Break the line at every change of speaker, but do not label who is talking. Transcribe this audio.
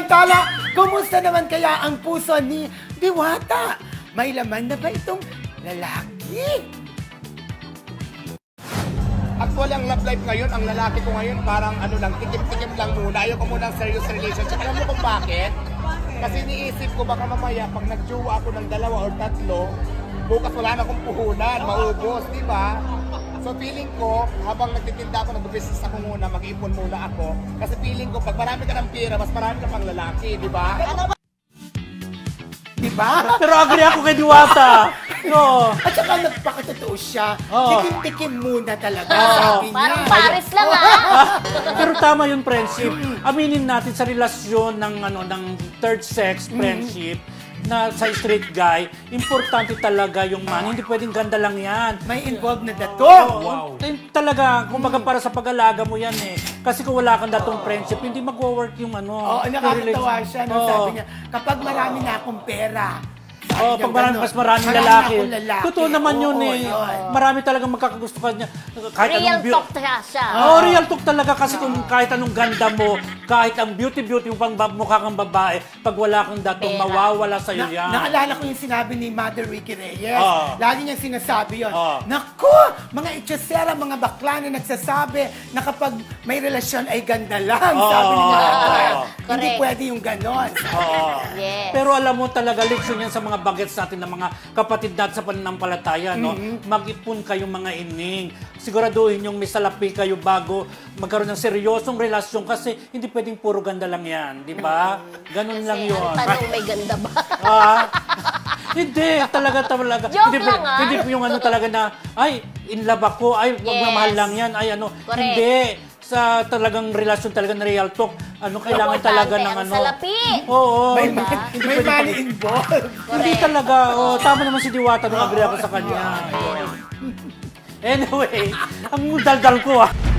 Samantala, kumusta naman kaya ang puso ni Diwata? May laman na ba itong lalaki?
Actually, ang love life ngayon, ang lalaki ko ngayon, parang ano lang, tikim-tikim lang muna. Ayoko muna ng serious relationship. Alam mo kung bakit? Kasi iniisip ko baka mamaya, pag nagjowa ako ng 2 or 3, bukas wala na akong puhunan, maubos, di ba? So feeling ko, habang nagtitinda ako, nag-business ako muna, mag-ipon muna ako. Kasi feeling ko, pag marami ka ng pera, mas marami ka pang lalaki, di ba?
Di ba?
Pero agree ako kay Diwata. No.
At saka nagpakatotoo siya.
Oo.
Tikim-tikim muna talaga,
Oo.
sabi niya.
Parang Paris lang
Pero tama yung friendship. Aminin natin sa relasyon ng third sex friendship na sa straight guy, importante talaga yung man. Hindi pwedeng ganda lang yan.
May involved na dato.
Wow. Talaga, kumbaga para sa pag-alaga mo yan eh. Kasi kung wala kang datong friendship, hindi mag-work yung
Oo,
yung
nakakatawa siya. No?
Oo.
Sabi niya, kapag marami na akong pera,
Oh, pag marami, mas maraming lalaki. Totoo naman yun eh. Marami talagang magkakagusto ka niya. Kahit
Real
anong
talk siya.
Oh, real talk talaga kasi kung kahit anong ganda mo, kahit ang beauty yung pang mukha kang babae, pag wala kang datong,
Pera.
mawawala sa'yo yan.
Naalala ko yung sinabi ni Mother Ricky Reyes.
Oo.
Lagi niyang sinasabi yun.
Oo.
Naku! Mga itsesera, mga bakla na nagsasabi na kapag may relasyon ay ganda lang.
Oo.
Sabi ni Mother.
Oo.
Hindi
Correct.
pwede yung ganon.
Oo.
Yes.
Pero alam mo talaga, leksyon yan sa mga bagets natin ng mga kapatid natin sa pananampalataya, no? Mag-ipon kayong mga ining. Siguraduhin yung may salapi kayo bago magkaroon ng seryosong relasyon kasi hindi pwedeng puro ganda lang yan, di ba? Ganun lang yun.
Ang tanong, may ganda ba?
Ah, hindi, talaga.
Joke
Hindi,
lang, ah.
hindi yung ano talaga na, ay, in love ako, ay, pagmamahal
Yes.
lang yan, ay ano.
Correct.
Hindi. Sa talagang relasyon talaga na real talk, kailangan talaga ng
ang salapi.
Oo.
May,
hindi-
may
hindi pwedeng
money involved.
hindi talaga. Oh, tama naman si Diwata nung agree ako sa kanya. Anyway, ang daldal ko